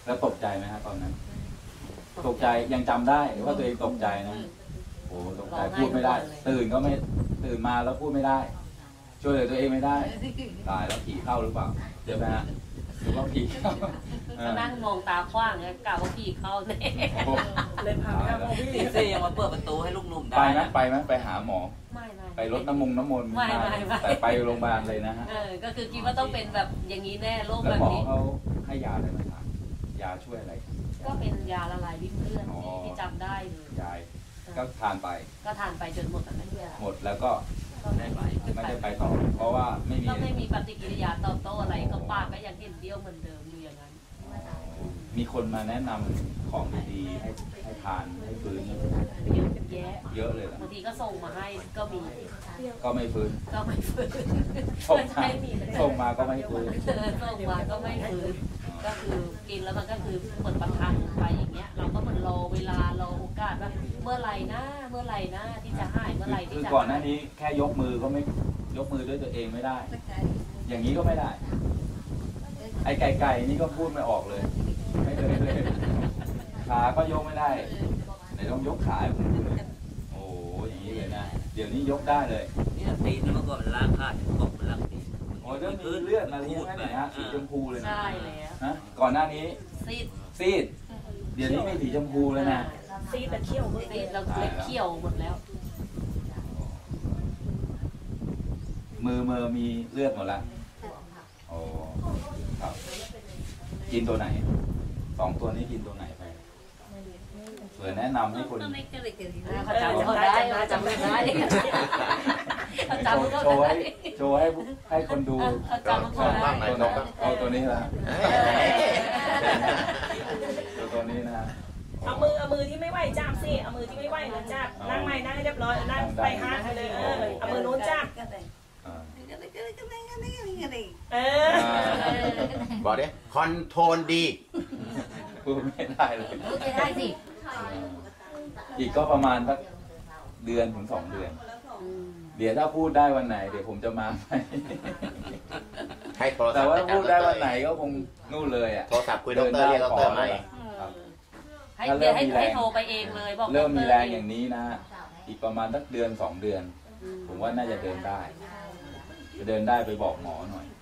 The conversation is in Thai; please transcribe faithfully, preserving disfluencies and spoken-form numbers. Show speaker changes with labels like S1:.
S1: แล้วตกใจไหมครับตอนนั้นตกใจยังจำได้หรือว่าตัวเองตกใจนะโอ้ตกใจพูดไม่ได้ตื่นก็ไม่ตื่นมาแล้วพูดไม่ได้ช่วยเหลือตัวเองไม่ได้ตายแล้วผีเข้าหรือเปล่าเดี๋ยวนะฮะหรือว่าผีเข้า
S2: ก็นั่งมองตาขว้างเนี่ยกล่าวว่าผีเข้าเนี่ย
S3: เลยพาไปหาหมอพี่
S4: เซ่ยังมาเปิดประตูให้ลูกหนุ่มได้
S1: ไปไหมไปไหมไปหาหมอ
S2: ไม่ไม่
S1: ไปรดน้ำมงน้ำมนต์
S2: ไม่ไม่
S1: แต่ไปโรงพยาบาลเลยนะฮะ
S2: เออก็คือคิดว่าต้องเป็นแบบอย่างนี้แน่โรคแบบนี้
S1: แล้วหมอเขาให้ยาอะไรมาทานยาช่วยอะไร
S2: ก็เป็นยาละลายริ่มเลือดที่จำได้เลย
S1: ยายก็ทานไป
S2: ก็ทานไปจนหมดแล้วนั่นแหละ
S1: หมดแล้วก็ไม่ไปไม่ได้ไปต่อเพราะว่าไม่มี
S2: ก็ไม่มีปฏิกิริยาตอบโต้อะไรก็ปากก็ยังเห็นเดียวเหมือนเดิมอยู่อย่างนั้น
S1: มีคนมาแนะนำของดีๆให้ให้ทานให้ฟื้น
S2: เยอะแยะ
S1: เยอะเลย
S2: บางทีก็ส่งมาให้ก็มี
S1: ก็ไม่ฟื้น
S2: ก็ไม่ฟื้น
S1: ส่งมาส่งมาก็ไม่ฟื้น
S2: ส่งมาก็ไม่ฟื้นก็คือกินแล้วมันก็คือเหมือนประทังไปอย่างเงี้ยเราก็เหมือนรอเวลารอโอกาสว่าเมื่อไหร่นะเมื่อไหร่นะที่จะหายเมื่อไหร่ที่
S1: จะ
S2: คือ
S1: ก่อนหน้านี้แค่ยกมือก็ไม่ยกมือด้วยตัวเองไม่ได้อย่างนี้ก็ไม่ได้ไอ้ไก่ไก่นี่ก็พูดไม่ออกเลยไม่เคยเลยขาก็ยกไม่ได้ไหนต้องยกขาให้ผมดูเลยโอ้อย่างนี้เลยนะเดี๋ยวนี้ยกได้เลย
S4: นี่ตีนเมื่อก่อนมันล้างผ้าจะตกมันล้างตีน
S1: โอ้เรื่องมีเลือดอะไรอย่างเงี้ยนะสีชมพูเลยนะ
S2: ใช่แล้ว
S1: ฮะก่อนหน้านี้
S2: ซีด
S1: ซีดเดี๋ยวนี้ไม่สีชมพูแล้วนะ
S3: ซีดแต่เขี้ยว
S2: ซีดเราเล็กเขี้ยวหมดแล้ว
S1: มือมือมีเลือดหมดแล้วโอ้ครับกินตัวไหนสองตัวนี้กินตัวไหนไปเผื่อแนะนำให้คน
S2: เขาจำได้เขาจำได้เขาจำ
S1: โชว์ให้โชว์ให้ให้คนดู
S2: เขาจำเขาได้
S1: เอาตัวนี้ละตัวตัวนี้นะ
S3: เอามือเอามือที่ไม่ไหวจับสิเอามือที่ไม่ไหวนะจับนั่งใหม่นั่งให้เรียบร้อยนั่งไปฮะเลยเออเอามือโน้นจับเออ
S5: บอกดิคอนโทรลดี
S1: พูดไม่ได้เลย
S2: พูดไม่ได้สิ
S1: อีกก็ประมาณสักเดือนถึงสองเดือนเดี๋ยวถ้าพูดได้วันไหนเดี๋ยวผมจะมาไป
S5: ให้โทรศัพท์
S1: แต่ว่าพูดได้วันไหนก็คงนู่นเลยอ่ะ
S5: โทรศัพท์คุยดรเรียกดรใหม่
S2: ให้เดี๋ยวให้โทรไปเองเลยบอก
S1: เริ่มมีแรงอย่างนี้นะอีกประมาณสักเดือนสองเดือนผมว่าน่าจะเดินได้จะเดินได้ไปบอกหมอหน่อย